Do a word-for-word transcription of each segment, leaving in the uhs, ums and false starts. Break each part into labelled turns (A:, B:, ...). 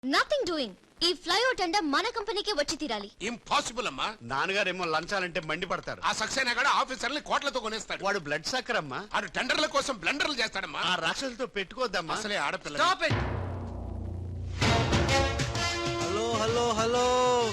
A: Nothing doing. ఈ flyover tender మన కంపెనీకే వచ్చి తీరాలి.
B: ఇంపాసిబుల్ అమ్మా.
C: నాన్నగారేమో లంచాలంటే మండిపడతారు.
B: ఆ సక్సేనా కూడా ఆఫీసర్ని కోట్లతో కొనేస్తాడు.
C: వాడు బ్లడ్ సక్కర్ అమ్మా.
B: ఆడు టెండర్ల కోసం బ్లండర్లు చేస్తాడమ్మా.
C: ఆ రాక్షసులతో పెట్టుకోద్దమ్మా.
B: అసలే ఆడపిల్ల.
D: Stop it. Hello hello hello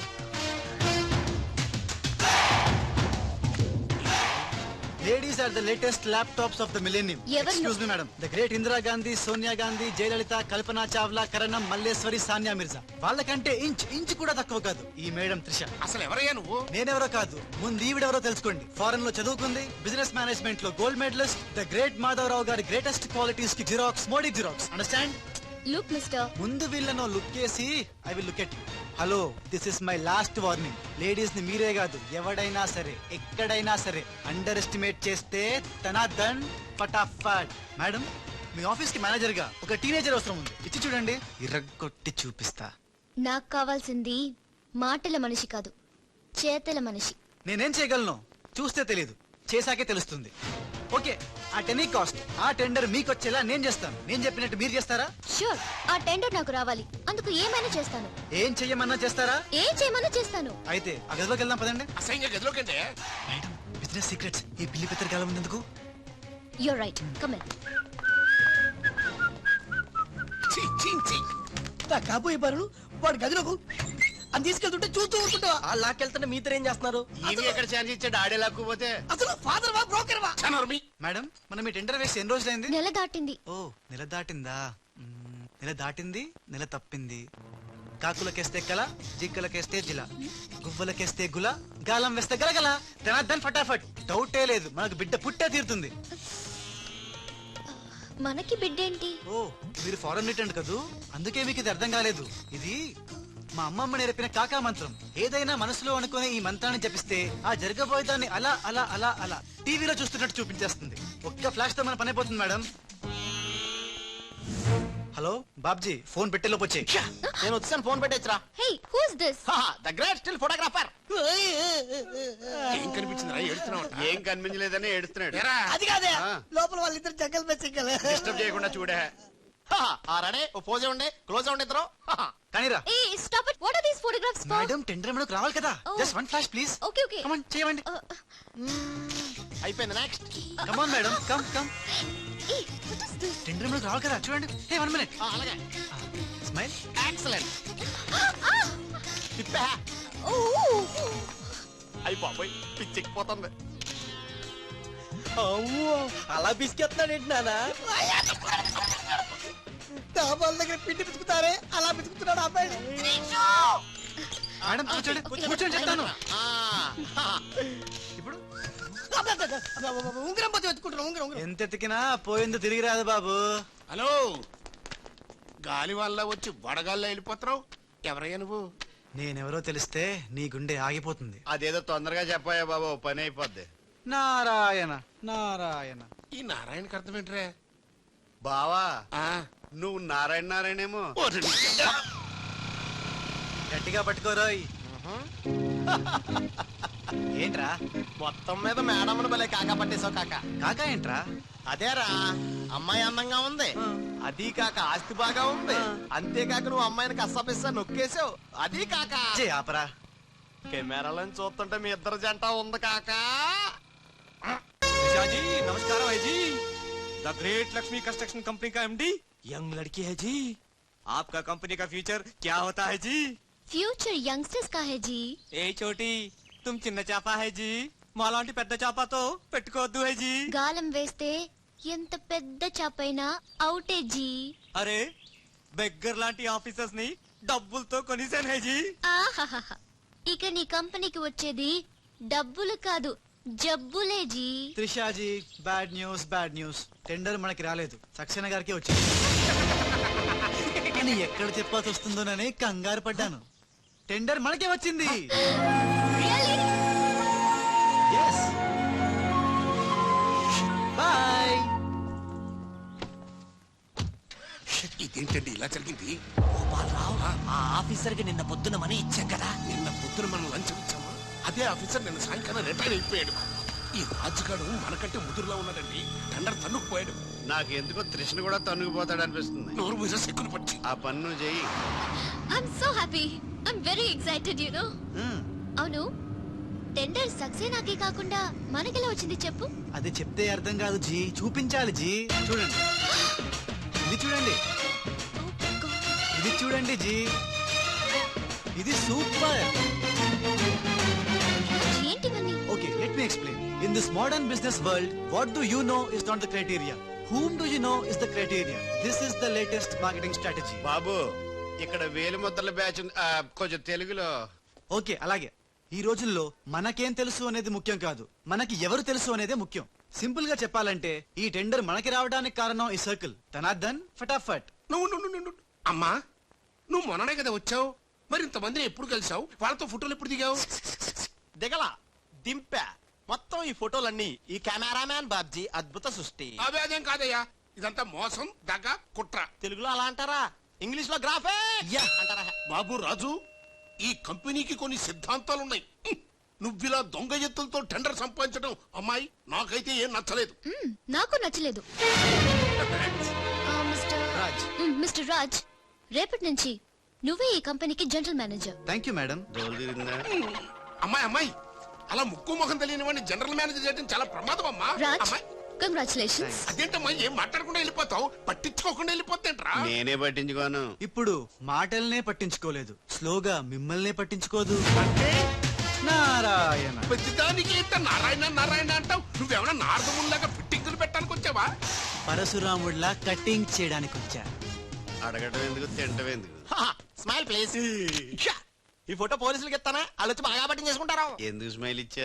D: Ladies are the latest laptops of the millennium. Excuse me, madam. The great Indira Gandhi, Sonia Gandhi, Jayalalitha, Kalpana Chawla, Karanam, Malleswari, Sania Mirza. వాళ్ళకంటే inch inch కూడా తక్కువ కాదు ఈ madam Trisha.
B: అసలు ఎవరయ్యా నువ్వు?
D: నేనెవరో కాదు, ముందు ఈవిడెవరో తెలుసుకోండి. ఫారెన్ లో చదువుకుంది, బిజినెస్ మేనేజ్మెంట్ లో gold medalist, the great Madhavarao గారి గ్రేటెస్ట్ క్వాలిటీస్ కి జిరాక్స్ మోడీ జిరాక్స్. అండర్స్టాండ్?
A: లుక్ మిస్టర్,
D: ముందు వీళ్ళను లుక్ చేసి I will look at you. Hello, this is my last warning. Ladies ని మీరే కాదు, ఎవడైనా సరే ఎక్కడైనా సరే అండర్ ఎస్టిమేట్ చేస్తే తన దన్ ఫటాఫట్. మేడం, మీ ఆఫీస్ కి మేనేజర్ గా ఒక టీనేజర్ అవసరం ఉంది. ఇచ్చి చూడండి, ఇరగొట్టి చూపిస్తా.
A: నాకు కావాల్సింది మాటల మనిషి కాదు, చేతల మనిషి.
D: నేనేం చేయగలను చూస్తే తెలియదు, చేశాకే తెలుస్తుంది. ఓకే, ఆ టెనీ కాస్ట్ ఆ టెండర్ మీకు వచ్చేలా నేను చేస్తాను. నేను చెప్పినట్టు మీరు చేస్తారా?
A: షూర్, ఆ టెండర్ నాకు రావాలి. అందుకు ఏమైనా చేస్తాను.
D: ఏం చెయ్యమన్నా చేస్తారా?
A: ఏం చేయమన్నా చేస్తాను.
D: అయితే ఆ గదిలోకి వెళ్దాం పదండి.
B: అసహ్యంగా గదిలోకంటే
D: మేడం, బిజినెస్ సీక్రెట్స్ ఈ పిల్లి పెద్దరి కాలం ఎందుకు?
A: You're right, come in.
E: కాబోయే బారు వాడు గదిలోకు అని తీసుకెళ్తుంటే చూస్తూ ఊరుకుంటా.
D: ఆ లాక్కెళ్తుంటే మీతో ఏం చేస్తున్నారు?
C: ఈయన ఎక్కడ ఛాన్స్ ఇచ్చాడు? ఆడే లాక్కుపోతే
E: అసలు ఫాదర్ వా బ్రోకర్ వా?
D: మేడం, మనం మీ టెండర్ వేసి ఎన్ని రోజులైంది?
A: నెల దాటింది.
D: ఓ, నెల దాటిందా? మ్మ్, నెల దాటింది, నెల తప్పింది. కాకులకేస్తే కల, జింకలకేస్తే జిల, గువ్వలకేస్తే గుల, గాలం వేస్తే గలగల. ధనార్దన్ ఫటాఫట్. డౌటే లేదు, మనకు బిడ్డ పుట్టే తీరుతుంది.
A: మనకి బిడ్డేంటి?
D: ఓ, మీరు ఫారెన్ రిటర్న్ కదూ, అందుకే మీకు ఇది అర్థం కాలేదు. ఇది మా అమ్మమ్మ నేర్పిన కాకా మంత్రం. ఏదైనా మనసులో అనుకునే ఈ మంత్రాన్ని జపిస్తే ఆ జరగబోయేదాన్ని అలా అలా అలా అలా టీవీలో చూస్తున్నట్టు చూపించేస్తుంది. ఒక్క ఫ్లాష్ తో మన పని అయిపోతుంది మేడం. హలో బాబ్జీ, ఫోన్ పెట్టేలోపు వచ్చే.
E: నేను వచ్చాను, ఫోన్ పెట్టేచ్చరా.
A: Hey, who is this?
E: The great still photographer.
B: ఏం కనిపించిందిరా? ఏడుస్తున్నావు?
C: ఏం కనిపించలేదని ఏడుస్తున్నాడు.
E: అది కాదే, లోపల వాళ్ళిద్దరు జగ్గలు పెంచగల.
C: డిస్టర్బ్ చేయకుండా చూడే.
E: రెడీ, ఓ పోజే ఉండే, క్లోజ్ ఉండే ఇద్దరు.
D: కానీరా.
A: ఏ stop it. What are these photographs for?
D: Madam, tender మనకు రావాలి కదా. Just one flash please.
A: Okay okay.
D: Come on, చేయండి.
E: అయిపోయింది, next.
D: Come on madam, come come.
A: ఏ వాట్ ఇస్ దిస్?
D: టెండర్ మనకు రావాలి కదా, చూడండి. Hey, one minute.
E: అలాగే,
D: స్మైల్.
E: ఎక్సలెంట్. తిప్పా.
A: ఓ,
E: అయిపోయి పిచ్చెక్కిపోతుంది. అమ్మో, అలా బిస్కెత్తున్నాడేంటి నానా? డాబాల దగ్గర పిండి పిసుకుతారే, అలా పిసుకుతున్నాడు అబ్బాయి.
D: మేడం కూర్చోండి, కూర్చోండి చెప్తాను. ఇప్పుడు
E: ఉంగరం పోతే వెతుకుంటున్నా. ఉంగరం ఉంగరం
D: ఎంత ఎతికినా పోయింది తిరిగి రాదు బాబు.
B: హలో, గాలి వల్ల వచ్చి వడగాల్లో వెళ్ళిపోతున్నావు. ఎవరయ్యా నువ్వు?
D: నేనెవరో తెలిస్తే నీ గుండె ఆగిపోతుంది.
C: అదేదో తొందరగా చెప్పాయా బాబా, పని అయిపోద్ది.
D: నారాయణ నారాయణ.
B: ఈ నారాయణకి అర్థం ఏంట్రా?
C: బావా,
B: ఆ,
C: నువ్వు నారాయణ నారాయణేమో.
D: గట్టిగా పట్టుకోరోయ్. ఏంట్రా
E: మొత్తం మీద మేడమ్ను భలే కాకా పట్టేశావు కాక.
D: కాకా ఏంట్రా?
E: అదేరా, అమ్మాయి అందంగా ఉంది, అది కాక ఆస్తి బాగా ఉంది, అంతేకాక నువ్వు అమ్మాయిని కష్టపిస్తా నొక్కేసావు, అది కాక
D: చే ఆపరా.
E: కెమెరాలను చూస్తుంటే మీ ఇద్దరు జంట ఉంది కాక.
F: जी नमस्कार है जी। The great Lakshmi construction company का एमडी यंग लड़की है जी। आपका कंपनी का फ्यूचर क्या होता है जी?
A: ఫ్యూచర్ యంగ్స్టర్స్ కా హై జీ.
F: ఏ చోटी तुम చిన్న చాపా है जी, మాలాంటి పెద్ద చాపాతో పెట్టుకోవద్దు है जी।
A: గాలం వేస్తే ఎంత పెద్ద చాపైనా అవుటే జీ.
F: అరే, బెగ్గర్ లాంటి ఆఫీసర్స్ ని డబ్బులతో కొనిసాను है जी।
A: ఆహాహా, ఇక నీ కంపెనీకి వచ్చేది డబ్బులు కాదు, జబ్బులే జీ.
D: Trishaji, bad news bad news. Tender మనకి రాలేదు, సక్సేనా గారికి వచ్చింది. కానీ ఎక్కడ చెప్పాల్సి వస్తుందోనని కంగారు పడ్డాను. టెండర్ మనకే వచ్చింది. Yes. Bye.
B: ఇదేంటండి ఇలా జరిగింది?
E: ఆ ఆఫీసర్ కి నిన్న పొద్దున మనీ ఇచ్చాం కదా.
B: నిన్న పొద్దున మనం లంచం ఇచ్చామా? అదే ఆఫీసర్ నిన్న సాయంకాలం రిటైర్ అయిపోయాడు. ఈ రాజుగాడు మనకంటే ముదురులో ఉన్నాడండి. టెండర్ తన్నుకుపోయాడు.
C: నాకు ఎందుకో త్రిషను కూడా తన్నుకుపోతాడు అనిపిస్తుంది.
B: నోరు మీద సెక్కులు పట్టి
C: ఆ పన్ను చెయ్యి.
A: Happy I'm very excited you know
D: Hmm.
A: అవును టెండర్ సక్సేనాకే కాకుండా మనకెలా వచ్చింది చెప్పు.
D: అది చెప్తే అర్థం కాదు జీ, చూపించాలి జీ. చూడండి, ఇది చూడండి,
A: Oh God.
D: ఇది చూడండి జీ, ఇది సూపర్.
A: ఏంటివన్నీ?
D: Okay, let me explain. In this modern business world, what do you know is not the criteria. Whom do you know is the criteria. This is the latest marketing strategy.
C: బాబు ఇక్కడ వేలు ముద్రల batch ఉంది. ఆ, కొంచెం తెలుగులో.
D: Okay, అలాగే. ఈ రోజుల్లో మనకేం తెలుసు అనేది ముఖ్యం కాదు, మనకి ఎవరు తెలుసు అనేదే ముఖ్యం. సింపుల్ గా చెప్పాలంటే ఈ టెండర్ మనకి రావడానికి కారణం ఈ సర్కిల్ ధనార్దన్ ఫటాఫట్.
B: నువ్వు నువ్వు నువ్వు నువ్వు- అమ్మా నువ్వు మొన్ననే కదా వచ్చావు, మరి ఇంతమందిని ఎప్పుడు కలిసావు, వాళ్ళతో ఫోటోలు ఎప్పుడు దిగావు?
E: దిగల దింపా మొత్తం ఈ ఫోటోలన్నీ ఈ కెమెరామ్యాన్ బాబ్జీ అద్భుత సృష్టి.
B: అవే అదేం కాదయ్యా, ఇదంతా మోసం దగ్గ కుట్ర.
E: తెలుగులో అలా అంటారా, ఇంగ్లీష్ లో గ్రాఫే
D: యా.
E: అంటారా?
B: బాబు రాజు, ఈ కంపెనీకి కొన్ని సిద్ధాంతాలున్నాయి. హ్మ్. నువ్విలా దొంగ ఎత్తులతో టెండర్ సంపాదించడం అమ్మాయి నాకైతే ఏం నచ్చలేదు.
A: మ్మ్, నాకు నచ్చలేదు. ఆ, మిస్టర్
D: రాజ్.
A: మ్మ్, మిస్టర్ రాజ్, రేపటి నుంచి నువ్వే ఈ కంపెనీకి general manager.
D: Thank you madam.
C: డోలు తిరిగిందా?
B: అమ్మాయి అమ్మాయి అలా ముక్కు ముఖం తెలియని వాడిని జనరల్ మేనేజర్ చేయడం చాలా ప్రమాదం అమ్మా.
A: రాజ్,
B: అమ్మాయి
A: కంగ్రాచులేషన్స్.
B: అదేంటమ్మా ఏం మాట్లాడకుండా వెళ్ళిపోతావు, పట్టించుకోకుండా వెళ్ళిపోతేంట్రా?
C: నేనే పట్టించుకోను.
D: ఇప్పుడు మాటల్నే పట్టించుకోలేదు, స్లోగా మిమ్మల్నే పట్టించుకోదు.
B: అంటే
D: నారాయణ.
B: ప్రతిదానికి ఇంత నారాయణ నారాయణ అంటావు, నువ్వేమైనా నారదముల్లాగా ఫిట్టింగులు పెట్టడానికి వచ్చావా?
D: పరశురాముడిలా కటింగ్ చేయడానికి వచ్చా.
C: అడగటం ఎందుకు, తింటం ఎందుకు?
E: Smile please. ఈ ఫోటో పోలీసులకి ఇస్తానా, వాళ్ళు వచ్చి బాగా పట్టింగ్ చేసుకుంటారు.
C: ఎందుకు స్మైల్ ఇచ్చా?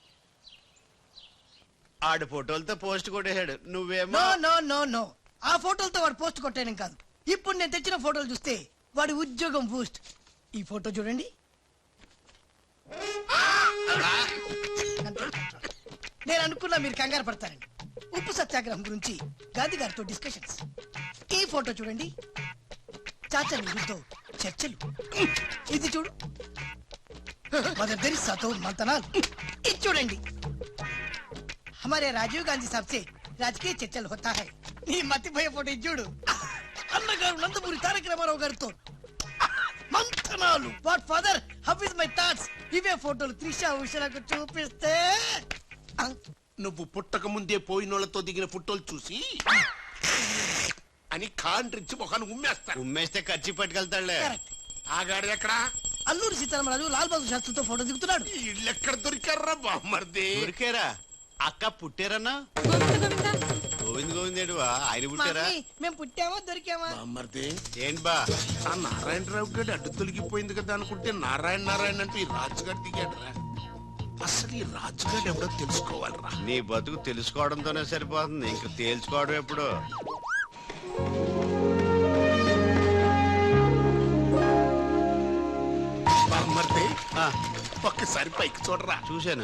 C: ఆడు ఫోటోలతో పోస్ట్ కొట్టేశాడు, నువ్వేమో
G: నో నో నో నో ఆ ఫోటోలతో వాడు పోస్ట్ కొట్టేయడం కాదు. ఇప్పుడు నేను తెచ్చిన ఫోటోలు చూస్తే వాడి ఉద్యోగం బూస్ట్. ఈ ఫోటో చూడండి. నేను అనుకున్నా మీరు కంగారు పడతారండి. ఉప్పు సత్యాగ్రహం గురించి గాంధీ గారితో డిస్కషన్స్. ఈ ఫోటో చూడండి, చాచా నెహ్రూతో చర్చలు. ఇది చూడు, మదర్ తెరిసాతో మంతనాలు. ఇది చూడండి, हमारे राजीव गांधी साहब से राजकीय चर्चल होता है. నీ మతిపోయే ఫోటో ఇది చూడు, అన్నగారు నందమూరి తారక రామారావు గారితో మంతనాలు. What father, how is my thoughts. ఇవే ఫోటోలు త్రిష ఉషలకు చూపిస్తే ఆ,
B: నువ్వు పుట్టక ముందే పోయినోళ్లతో దిగిన ఫోటోలు చూసి అని కాండ్రించి మొహాన్ని ఉమ్మేస్తా.
C: ఉమ్మేస్తే ఖర్చు పట్టుకెళ్తాడులే.
G: correct.
B: ఆగాడు ఎక్కడా?
G: అల్లూరి సీతారామరాజు లాల్ బహదూర్ శాస్త్రితో ఫోటో దిగుతున్నాడు.
B: ఇళ్ళు ఎక్కడ దొరికారా బామ్మర్ది?
C: ఊరికేరా అక్క పుట్టారన్నా? గోవింద్ గోవిందేడువా ఆయన పుట్టారా?
G: మమ్మీ, మేము పుట్టామా దొరికామా?
B: బామ్మర్ది,
C: ఏంటి బా?
B: ఆ నారాయణరావు గారి అడ్డు తొలగిపోయింది కదా అనుకుంటే నారాయణ నారాయణ అంటూ ఈ రాజుగారు దిగాడురా. అసలు ఈ రాజుగారు ఎవడో తెలుసుకోవాలరా.
C: నీ బతుకు తెలుసుకోవడంతోనే సరిపోతుంది, ఇంక తేల్చుకోవడం ఎప్పుడు?
B: బామ్మర్ది,
C: ఆ,
B: ఒక్కసారి పైకి చూడరా.
C: చూశాను.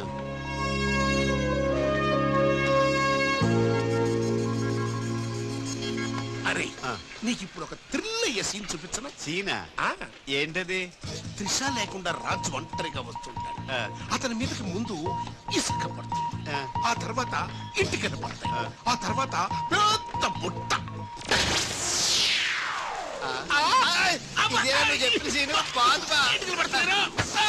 B: అరే
C: ఆ.
B: నీకు ఇప్పుడు ఒక థ్రిల్ అయ్యే సీన్ చూపించనా?
C: సీనా?
B: ఆ,
C: ఏంటది?
B: త్రిష లేకుండా రాజు ఒంటరిగా వస్తుంటాడు.
C: ఆ.
B: అతని మీదకి ముందు ఇసుక పడుతుంది,
C: ఆ.
B: ఆ తర్వాత ఇంటికలు పడతాయి,
C: ఆ.
B: ఆ తర్వాత పెద్ద బుట్ట. ఆ, అబ్బా,
C: ఇదేనా నువ్వు చెప్పిన సీను? బాగు బా.
B: ఇంటికలు పడతాయిరా.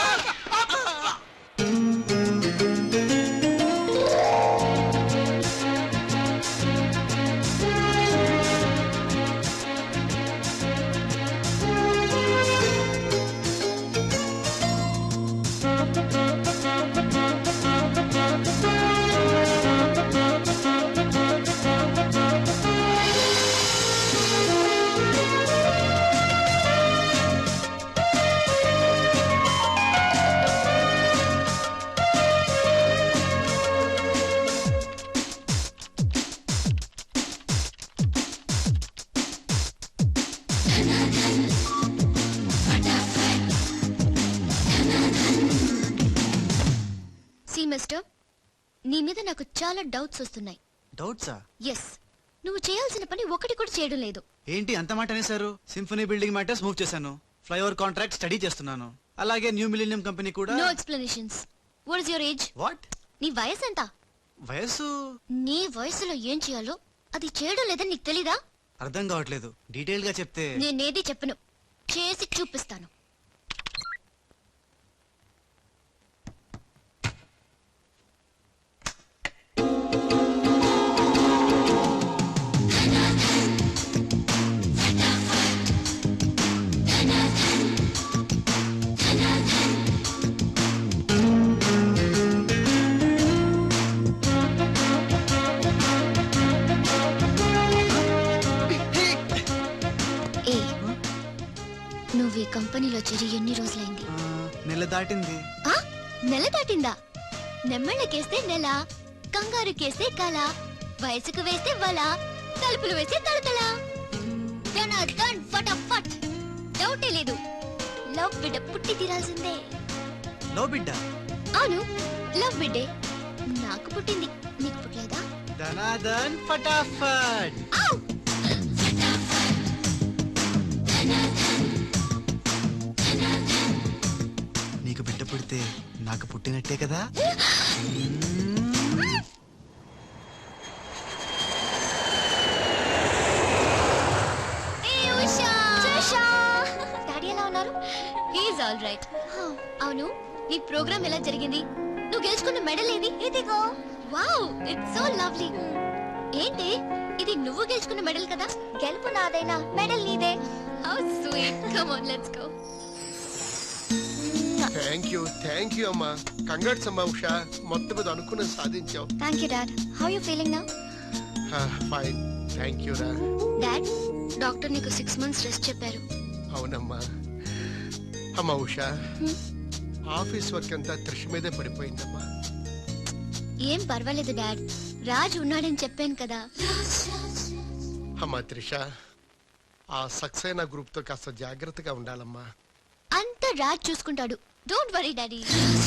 A: సి మిస్టర్, నీ మీద నాకు చాలా డౌట్స్ వస్తున్నాయి.
D: డౌట్సా?
A: ఎస్, నువ్వు చేయాల్సిన పని ఒకటి కూడా చేయడం లేదు.
D: ఏంటి అంత మాట అనేసారు? సింఫనీ బిల్డింగ్ మ్యాటర్స్ మూవ్ చేశాను, ఫ్లైఓవర్ కాంట్రాక్ట్ స్టడీ చేస్తున్నాను, అలాగే న్యూ మిలీనియం కంపెనీ కూడా.
A: No explanations. What is your age?
D: What?
A: నీ వయసు ఎంత?
D: వయసు
A: నీ వయసులో ఏం చేయాలో అది చేయడం లేదని నీకు తెలీదా?
D: అర్థం కావట్లేదు, డీటెయిల్ గా చెప్తే.
A: నేనేది చెప్పను, చేసి చూపిస్తాను. నువ్వు ఈ కంపెనీలో చేరి ఎన్ని రోజులైంది?
D: ఆ, నెల దాటింది.
A: ఆ నెల దాటిందా? నెమ్మళ్ళకేస్తే నెల, కంగారు కేస్తే కల, వయసుకు వేస్తే వల, తలుపులు వేస్తే తలతల. ధనాధన్ ఫటాఫట్. డౌటే లేదు, లవ్ బిడ్డ పుట్టి తీరాల్సిందే.
D: లో బిడ్డ.
A: అవును, లవ్ బిడ్డే నాకు పుట్టింది, నీకు పుట్టలేదా?
D: ధనాధన్ ఫటాఫట్.
A: ఔ!
D: నీకు బిడ్డ పుడితే నాకు పుట్టినట్టే కదా.
A: ఏ ఉషా! డాడీ ఎలా ఉన్నారు? He is all right. అవును, నీ ప్రోగ్రామ్ ఎలా జరిగింది? నువ్వు గెలుచుకున్న మెడల్ ఏది? ఇదిగో. Wow, it's so lovely. ఏంటి ఇది, నువ్వు గెలుచుకున్న మెడల్ కదా? గెలుపు నాదైనా మెడల్ నీదే. How sweet. Come on, let's go.
B: Thank you thank you అమ్మా. కంగ్రాట్స్ అమ్మా ఉషా, మొత్తం మీద అనుకున్నది సాధించావు.
A: Thank you dad. How you feeling now?
B: Fine, thank you రా.
A: డాడ్, డాక్టర్ నీకు సిక్స్ మంత్స్ రెస్ట్ చెప్పారు.
B: అవునమ్మా. అమ్మా ఉషా, ఆఫీస్ వర్క్ అంతా త్రిష మీదే పడిపోయిందమ్మా.
A: ఏం పర్వాలేదు డాడ్, రాజ్ ఉన్నాడని చెప్పాను కదా.
B: అమ్మా త్రిష, ఆ సక్సేనా గ్రూప్ తో కాస్త జాగ్రత్తగా ఉండాలమ్మా.
A: అంతా రాజ్ చూసుకుంటాడు, don't worry daddy.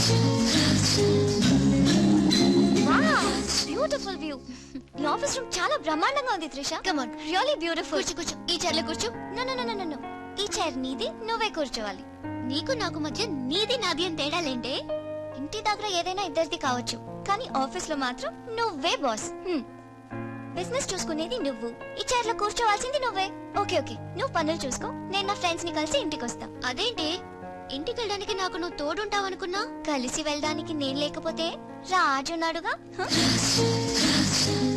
A: Beautiful view. నీ ఆఫీస్ రూమ్ చాలా బ్రహ్మాండంగా ఉంది Trisha. Come on, really beautiful. కూర్చో కూర్చో, ఈ చైర్ లో కూర్చో. No no no no no, ఈ చైర్ నీది, నువ్వే కూర్చోవాలి. నీకు నాకు మధ్య నీది నాది అని తేడాలేంటే? ఇంటి దగ్గర ఏదైనా ఇద్దరిది కావచ్చు, కానీ ఆఫీస్ లో మాత్రం నువ్వే బాస్. బిజినెస్ చూసుకునేది నువ్వు, ఈ చైర్ లో కూర్చోవాల్సింది నువ్వే. ఓకే ఓకే, నువ్వు పనులు చూసుకో, నేను నా ఫ్రెండ్స్ ని కలిసి ఇంటికి వస్తా. అదేంటి, ఇంటికి వెళ్ళడానికి నాకు నువ్వు తోడుంటావు అనుకున్నా? కలిసి వెళ్ళడానికి నేను లేకపోతే రాజున్నాడుగా. హ?